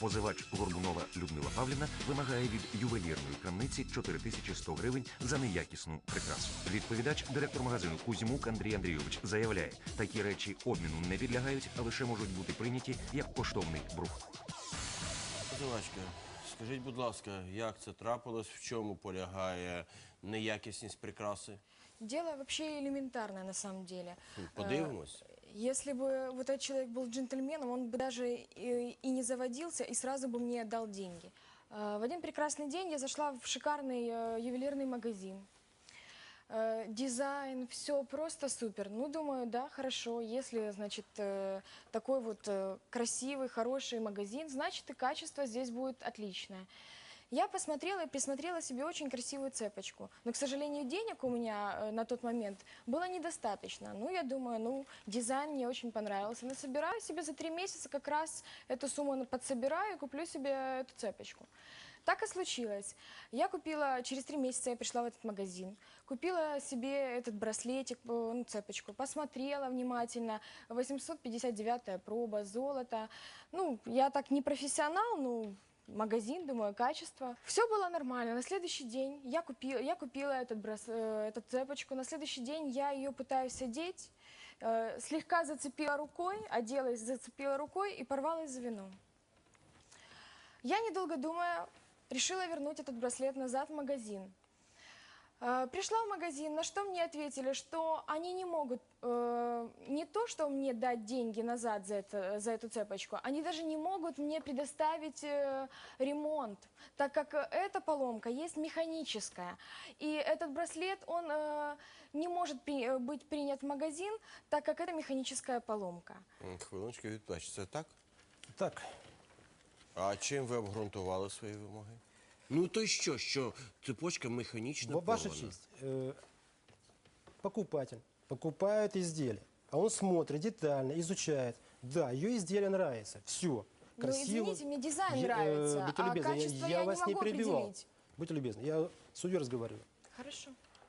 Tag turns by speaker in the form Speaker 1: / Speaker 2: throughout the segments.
Speaker 1: Позивач Горбунова Людмила Павлівна вимагає від ювелірної крамниці 4100 гривень за неякісну прикрасу. Відповідач, директор магазину Кузьмук Андрій Андрійович, заявляє, такі речі обміну не підлягають, а лише можуть бути прийняті як коштовний брух.
Speaker 2: Позивачка, скажіть, будь ласка, як це трапилось, в чому полягає неякісність прикраси?
Speaker 3: Дело вообще элементарное на самом деле.
Speaker 2: Подивимось.
Speaker 3: Если бы вот этот человек был джентльменом, он бы даже и не заводился, и сразу бы мне отдал деньги. В один прекрасный день я зашла в шикарный ювелирный магазин. Дизайн, все просто супер. Ну, думаю, да, хорошо, если, значит, такой вот красивый, хороший магазин, значит, и качество здесь будет отличное. Я посмотрела и присмотрела себе очень красивую цепочку. Но, к сожалению, денег у меня на тот момент было недостаточно. Ну, я думаю, ну, дизайн мне очень понравился. Насобираю себе за 3 месяца, как раз эту сумму подсобираю и куплю себе эту цепочку. Так и случилось. Я купила, через 3 месяца я пришла в этот магазин, купила себе этот браслетик, ну, цепочку, посмотрела внимательно, 859-я проба, золото. Ну, я так не профессионал, ну, магазин, думаю, качество. Все было нормально. На следующий день я купила эту цепочку. На следующий день я ее пытаюсь одеть, слегка зацепила рукой, оделась, зацепила рукой и порвалась за вином. Я, недолго думая, решила вернуть этот браслет назад в магазин. Пришла в магазин, на что мне ответили, что они не могут не то, что мне дать деньги назад за эту цепочку, они даже не могут мне предоставить ремонт, так как эта поломка есть механическая. И этот браслет, он не может быть принят в магазин, так как это механическая поломка.
Speaker 2: Хвилиночку, відповідь, це так?
Speaker 4: Так,
Speaker 2: А чим ви обґрунтували свої вимоги? Ну то й що цепочка механічно
Speaker 4: ваша
Speaker 2: порвана?
Speaker 4: честь, покупатель покупает изделие, а он смотрит детально, изучает. Да, ее изделие нравится, все. Красиво.
Speaker 3: Ну, извините, мне дизайн нравится,
Speaker 4: будьте
Speaker 3: а
Speaker 4: любезны,
Speaker 3: качество
Speaker 4: я
Speaker 3: я
Speaker 4: вас
Speaker 3: не
Speaker 4: не
Speaker 3: могу
Speaker 4: перебивал.
Speaker 3: определить.
Speaker 4: Будьте любезны, я с судьей разговариваю.
Speaker 3: Хорошо.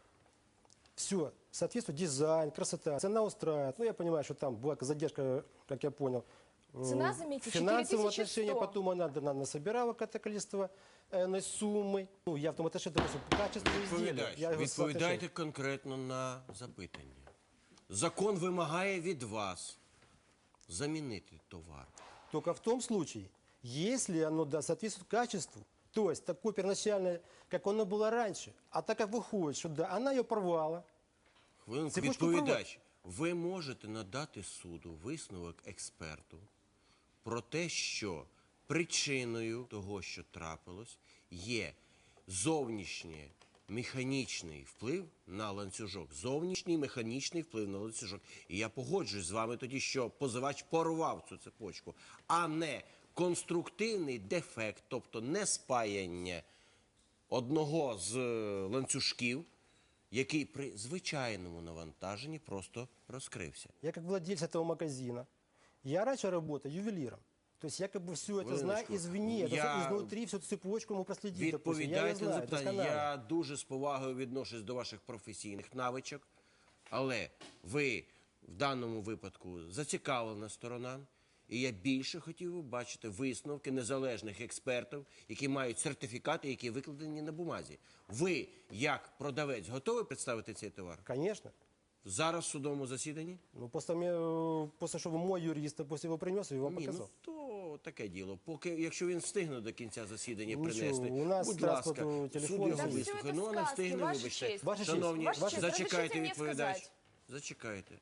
Speaker 4: Все, соответствует дизайн, красота, цена устраивает. Ну, я понимаю, что там была задержка, как я понял.
Speaker 3: Цена, заметьте,
Speaker 4: в финансовом
Speaker 3: 4100.
Speaker 4: отношении, потом она насобирала какое-то количество суммы. Ну, я в том отношении, допустим, качество изделия. Я его
Speaker 2: Відповідайте
Speaker 4: соотношение.
Speaker 2: конкретно на запитання. Закон вимагає від вас замінити товар.
Speaker 4: Только в том случае, если оно соответствует качеству, то есть такое первоначальное, как оно было раньше, а так как выходит, что да, она ее порвала.
Speaker 2: Хвилинку,
Speaker 4: Цепочку
Speaker 2: відповідач, ви можете надати суду висновок експерту про те, що причиною того, що трапилось, є зовнішній механічний вплив на ланцюжок. Зовнішній механічний вплив на ланцюжок. І я погоджуюсь з вами тоді, що позивач порвав цю цепочку, а не конструктивний дефект, тобто не спаяння одного з ланцюжків, який при звичайному навантаженні просто розкрився.
Speaker 4: Я как владелец этого магазина, я раньше работал ювелиром. То есть я как бы все это знаю извне, изнутри всю цепочку мы проследить.
Speaker 2: Відповідайте на запитання. Я дуже з повагою відношусь до ваших професійних навичок, але ви в даному випадку зацікавлена сторона, і я більше хотів би бачити висновки незалежних експертів, які мають сертифікати, які викладені на бумазі. Ви, як продавець, готові представити цей товар?
Speaker 4: Конечно.
Speaker 2: Зараз в судовому засіданні?
Speaker 4: Ну, после чтобы мой юрист после его принес, я вам
Speaker 2: Ні,
Speaker 4: показал.
Speaker 2: ну то таке діло. Поки, якщо він встигне до кінця засідання
Speaker 4: Нічого,
Speaker 2: принести,
Speaker 4: у нас
Speaker 2: будь ласка,
Speaker 4: транспорту, телефону
Speaker 2: суд його
Speaker 4: є.
Speaker 2: вислухає.
Speaker 3: Та
Speaker 2: Ну,
Speaker 3: все
Speaker 2: не
Speaker 3: це
Speaker 2: встигне,
Speaker 3: сказки,
Speaker 2: вибачте.
Speaker 3: ваша честь.
Speaker 4: Ваша честь.
Speaker 2: Шановні,
Speaker 3: Ваша честь,
Speaker 2: зачекайте,
Speaker 3: разрешите мені
Speaker 2: відповідач.
Speaker 3: сказати?
Speaker 2: Зачекайте.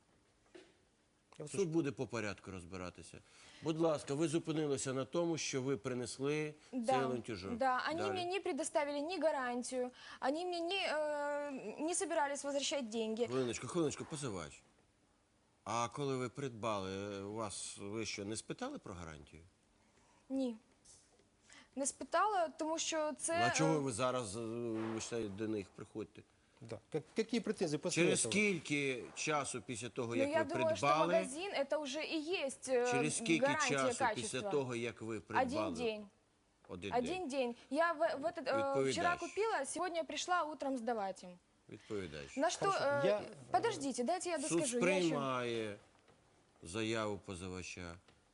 Speaker 4: Я вас
Speaker 2: Суд буде по порядку розбиратися. Будь ласка, ви зупинилися на тому, що ви принесли цей ланцюжок.
Speaker 3: Да, они
Speaker 2: Далі.
Speaker 3: мне не предоставили ни гарантию, они мне не собирались возвращать деньги.
Speaker 2: Хвилиночку, позивач. А коли ви придбали, ви що, не спитали про гарантію?
Speaker 3: Ні. Не спитала, тому що це...
Speaker 2: А чого ви зараз до них приходите?
Speaker 4: Да. Какие претензии после
Speaker 2: Через
Speaker 4: этого?
Speaker 2: скільки часу після того,
Speaker 3: Ну,
Speaker 2: як
Speaker 3: я
Speaker 2: ви
Speaker 3: думаю, что
Speaker 2: придбали,
Speaker 3: магазин это уже и есть
Speaker 2: через скільки
Speaker 3: гарантия
Speaker 2: часу
Speaker 3: качества.
Speaker 2: після того, як ви придбали?
Speaker 3: Один день.
Speaker 2: Один
Speaker 3: Один день. Я
Speaker 2: Відповідач.
Speaker 3: вчера купила, сегодня пришла утром сдавать им.
Speaker 2: Відповідач.
Speaker 3: На что...
Speaker 4: Хорошо,
Speaker 3: подождите, дайте я
Speaker 2: Суд
Speaker 3: доскажу.
Speaker 2: сприймає заяву позивача.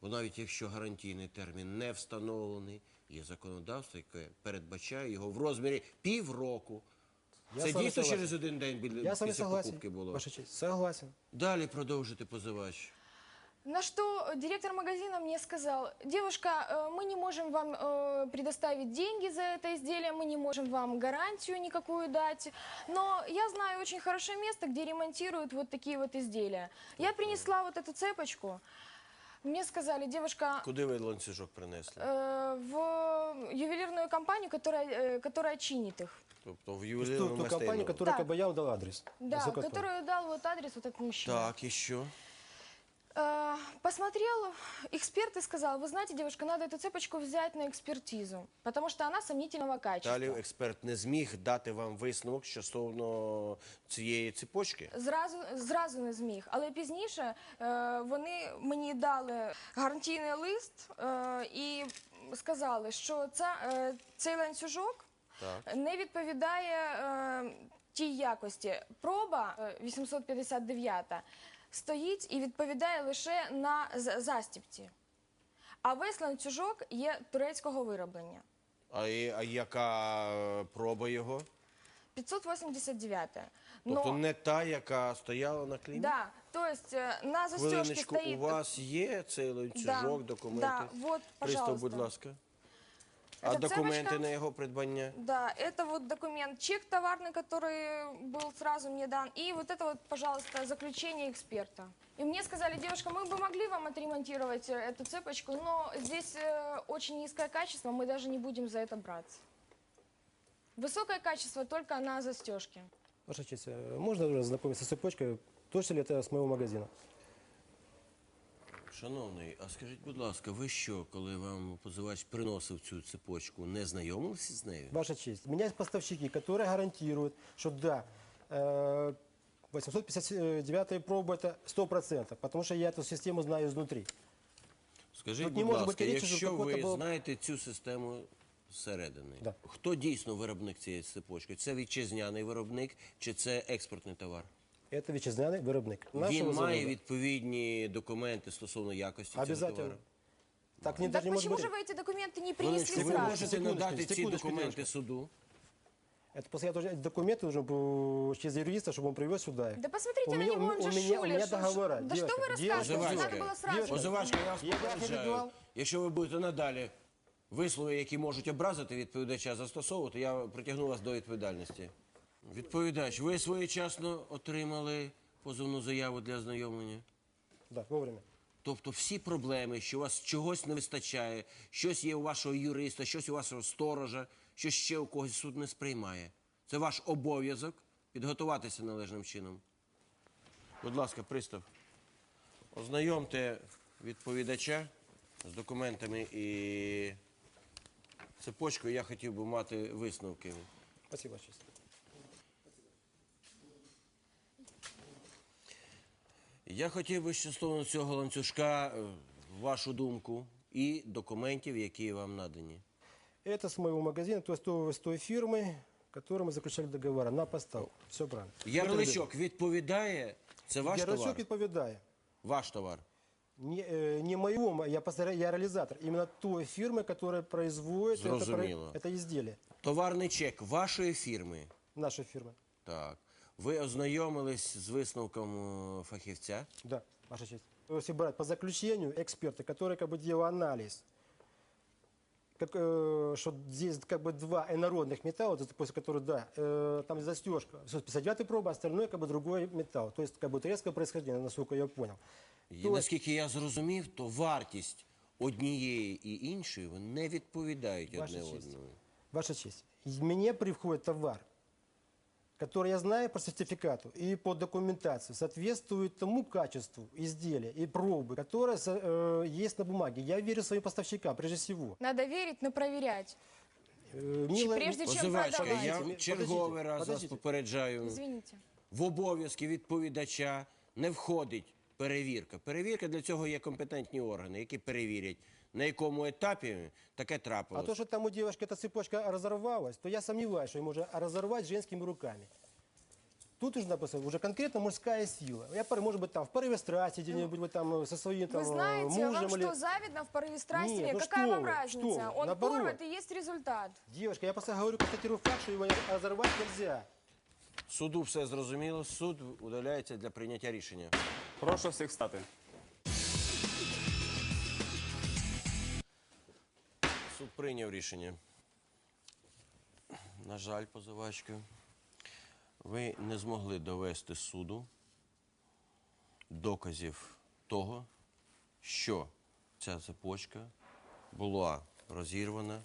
Speaker 2: Бо навіть якщо гарантійний термін не встановлений, є законодавство, яке передбачає його в розмірі півроку.
Speaker 4: Я
Speaker 2: Це
Speaker 4: з вами
Speaker 2: дійсно
Speaker 4: согласен.
Speaker 2: через один день
Speaker 4: Я с вами
Speaker 2: після
Speaker 4: согласен,
Speaker 2: покупки було?
Speaker 4: Ваша честь, согласен.
Speaker 2: Далі продовжити позивач.
Speaker 3: На что директор магазина мне сказал: девушка, мы не можем вам предоставить деньги за это изделие, мы не можем вам гарантию никакую дать, но я знаю очень хорошее место, где ремонтируют вот такие вот изделия. Я принесла вот эту цепочку, мне сказали: девушка,
Speaker 2: Куди ви ланцюжок принесли?
Speaker 3: в ювелирную компанию, которая чинит их.
Speaker 2: Тобто в
Speaker 4: Ту
Speaker 2: ювелірному
Speaker 4: компанию,
Speaker 2: мистецтві.
Speaker 4: которая
Speaker 3: Так.
Speaker 4: как бы я вам дал адрес.
Speaker 3: Да,
Speaker 4: Насколько я
Speaker 3: которую дал вот адрес вот этот мужчина.
Speaker 2: Так, і що?
Speaker 3: Посмотрел эксперт и сказал: вы знаете, девушка, надо эту цепочку взять на экспертизу, потому что она сомнительного качества.
Speaker 2: Далі експерт не зміг дати вам висновок стосовно цієї цепочки?
Speaker 3: Зразу не зміг, але пізніше вони мені дали гарантійний лист і сказали, що цей ланцюжок
Speaker 2: Так.
Speaker 3: не відповідає тій якості. Проба 859 стоїть і відповідає лише на застібці, а весь ланцюжок є турецького вироблення.
Speaker 2: А яка проба його?
Speaker 3: 589.
Speaker 2: Тобто не та, яка стояла на клеймі?
Speaker 3: Да, то есть на застежке
Speaker 2: Хвилиночку,
Speaker 3: стоит...
Speaker 2: у вас є цей ланцюжок, документи?
Speaker 3: Да, вот,
Speaker 2: Пристав,
Speaker 3: пожалуйста.
Speaker 2: будь ласка. А
Speaker 3: Це
Speaker 2: документи
Speaker 3: цепочка?
Speaker 2: на його придбання?
Speaker 3: Да, это вот документ, чек товарный, который был сразу мне дан, и вот это вот, пожалуйста, заключение эксперта. И мне сказали: девушка, мы бы могли вам отремонтировать эту цепочку, но здесь очень низкое качество, мы даже не будем за это браться. Высокое качество только на застежке.
Speaker 4: Ваша честь, можно уже знакомиться с цепочкой? Точно ли это с моего магазина?
Speaker 2: Шановний, а скажіть, будь ласка, ви що, коли вам позивач приносив цю цепочку, не знайомилися з нею?
Speaker 4: Ваша честь, у меня есть поставщики, которые гарантируют, что да, 859 проба это 100%, потому что я эту систему знаю изнутри.
Speaker 2: Скажіть,
Speaker 4: Тут не
Speaker 2: будь
Speaker 4: може
Speaker 2: ласка,
Speaker 4: бути речі, що
Speaker 2: якщо
Speaker 4: какой-то
Speaker 2: ви
Speaker 4: був-
Speaker 2: знаєте цю систему зсередини,
Speaker 4: Да.
Speaker 2: хто дійсно виробник цієї цепочки? Це вітчизняний виробник чи це експортний товар?
Speaker 4: Это вітчизняний виробник.
Speaker 2: Він
Speaker 4: Нашего
Speaker 2: має
Speaker 4: завода.
Speaker 2: відповідні документи стосовно якості цього
Speaker 4: Обязательно.
Speaker 2: товару?
Speaker 4: Так не,
Speaker 3: Так
Speaker 4: даже не может
Speaker 3: почему
Speaker 4: быть.
Speaker 3: же вы эти документы не
Speaker 2: Хвилиночку,
Speaker 3: принесли
Speaker 2: ви
Speaker 3: сразу?
Speaker 2: можете
Speaker 4: Секундочку,
Speaker 2: надати ці
Speaker 4: секундочку,
Speaker 2: документи
Speaker 4: девушка.
Speaker 2: суду?
Speaker 4: Это после я должен, документы должен был через юриста, чтобы он привез сюда их.
Speaker 3: Да посмотрите
Speaker 4: У
Speaker 3: на
Speaker 4: меня-
Speaker 3: него, он
Speaker 4: у
Speaker 3: же
Speaker 4: меня- у меня
Speaker 3: шулер.
Speaker 4: договора.
Speaker 3: Да что
Speaker 4: Девушка,
Speaker 3: вы рассказываете?
Speaker 2: девушка.
Speaker 3: Надо было сразу.
Speaker 4: Девушка.
Speaker 2: Позивачка, я вас
Speaker 4: Я
Speaker 2: попереджаю.
Speaker 4: перебивав?
Speaker 2: Якщо ви будете надалі вислови, які можуть образити відповідача, застосовувати, я притягну вас до відповідальності. Відповідач, ви своєчасно отримали позовну заяву для ознайомлення?
Speaker 4: Да, вовремя.
Speaker 2: Тобто всі проблеми, що у вас чогось не вистачає, щось є у вашого юриста, щось у вашого сторожа, щось ще у когось суд не сприймає. Це ваш обов'язок підготуватися належним чином. Будь ласка, пристав. Ознайомте відповідача з документами і цепочкою. Я хотів би мати висновки.
Speaker 4: Спасибо, Ваша честь.
Speaker 2: Я хотів би стосовно цього ланцюжка вашу думку і документів, які вам надані.
Speaker 4: Это с моего магазина, то есть с той фирмы, которой мы заключали договора на поставку. Все правильно.
Speaker 2: Ярличок відповідає? Це ваш товар?
Speaker 4: Ярличок відповідає.
Speaker 2: Ваш товар.
Speaker 4: Не моего, я реализатор. Именно той фирмы, которая производит
Speaker 2: Зрозуміло.
Speaker 4: это изделие.
Speaker 2: Товарний чек вашої фірми.
Speaker 4: Наша фирма.
Speaker 2: Так. Ви ознайомились з висновком фахівця?
Speaker 4: Да, Ваша честь. Если брать по заключению эксперта, который как бы делал анализ, что здесь как бы два инородных металла, вот после которых, да, там застежка, 59 проба, остальное как бы другой металл. То есть как бы турецкое происхождение, насколько я понял.
Speaker 2: І, наскільки я зрозумів, то вартість однієї і іншої вони не відповідають
Speaker 4: Ваша
Speaker 2: одне
Speaker 4: честь.
Speaker 2: одному.
Speaker 4: Ваша честь, мне приходит товар, который я знаю по сертификату и по документации, соответствует тому качеству изделия и пробы, которое есть на бумаге. Я верю своим поставщикам, прежде всего.
Speaker 3: Надо верить, но проверять. Прежде чем
Speaker 2: Позивачка,
Speaker 3: продавати.
Speaker 2: я
Speaker 4: Подождіть,
Speaker 2: черговий раз вас
Speaker 4: подождіть.
Speaker 2: попереджаю.
Speaker 3: Извините.
Speaker 2: В обов'язки відповідача не входить перевірка. Перевірка, для цього є компетентні органи, які перевірять, на якому етапі таке
Speaker 4: А
Speaker 2: трапилось.
Speaker 4: то, что там у девушки эта цепочка разорвалась, то я сомневаюсь, что ее можно разорвать женскими руками. Тут нужна просто уже конкретно мужская сила. Может быть, там в порыве страсти где-нибудь вы там со своим там
Speaker 3: Вы знаете,
Speaker 4: мужем
Speaker 3: вам
Speaker 4: или...
Speaker 3: что, завидно в порыве страсти?
Speaker 4: Нет, ну
Speaker 3: Какая
Speaker 4: что
Speaker 3: вам
Speaker 4: вы,
Speaker 3: разница?
Speaker 4: что вы,
Speaker 3: Он
Speaker 4: наоборот.
Speaker 3: порвет и есть результат.
Speaker 4: Девушка, я просто говорю, констатирую факт, что его разорвать нельзя.
Speaker 2: Суду все зрозуміло, суд удаляється для прийняття рішення.
Speaker 5: Прошу всіх встати.
Speaker 2: Суд прийняв рішення. На жаль, позивачка, ви не змогли довести суду доказів того, що ця цепочка була розірвана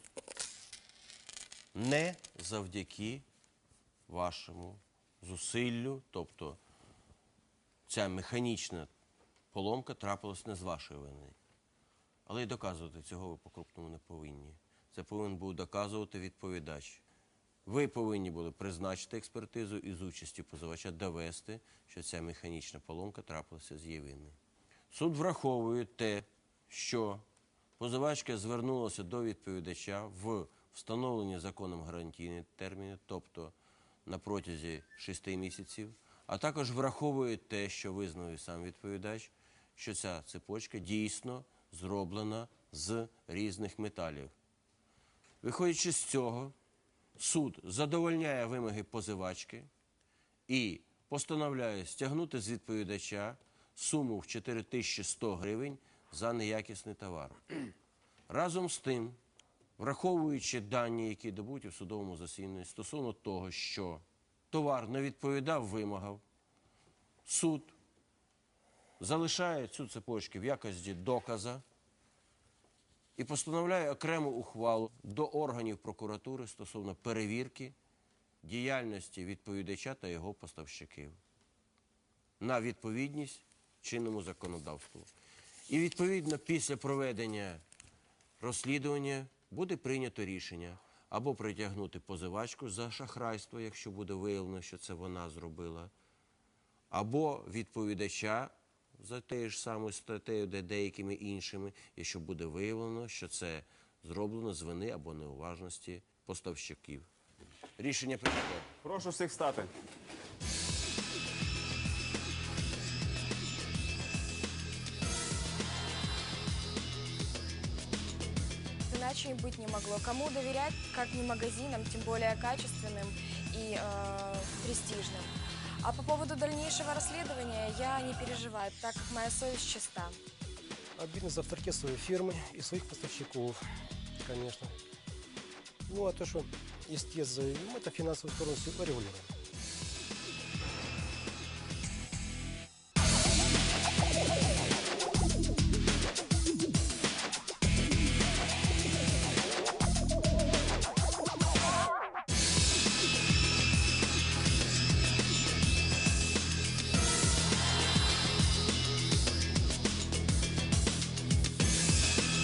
Speaker 2: не завдяки вашому зусиллю, тобто ця механічна поломка трапилась не з вашої вини. Але й доказувати цього ви по-крупному не повинні. Це повинен був доказувати відповідач. Ви повинні були призначити експертизу і з участю позивача довести, що ця механічна поломка трапилася з її вини. Суд враховує те, що позивачка звернулася до відповідача в встановлені законом гарантійні терміни, тобто на протязі 6 місяців, а також враховує те, що визнав і сам відповідач, що ця цепочка дійсно зроблена з різних металів. Виходячи з цього, суд задовольняє вимоги позивачки і постановляє стягнути з відповідача суму в 4100 гривень за неякісний товар. Разом з тим, враховуючи дані, які добуті в судовому засіданні стосовно того, що товар не відповідав вимогам, суд залишає цю цепочку в якості доказа і постановляє окрему ухвалу до органів прокуратури стосовно перевірки діяльності відповідача та його поставщиків на відповідність чинному законодавству. І відповідно після проведення розслідування буде прийнято рішення або притягнути позивачку за шахрайство, якщо буде виявлено, що це вона зробила, або відповідача за тією ж самою статтею, де деякими іншими, якщо буде виявлено, що це зроблено з вини або неуважності поставщиків. Рішення прийнято.
Speaker 5: Прошу всіх встати.
Speaker 3: Иначе и быть не могло. Кому доверять, как не магазинам, тем более качественным и престижным. А по поводу дальнейшего расследования я не переживаю, так как моя совесть чиста.
Speaker 4: Обидно за авторитет своей фирмы и своих поставщиков, конечно. Ну, а то, что истец заявил, мы это финансовую сторону всего регулируем.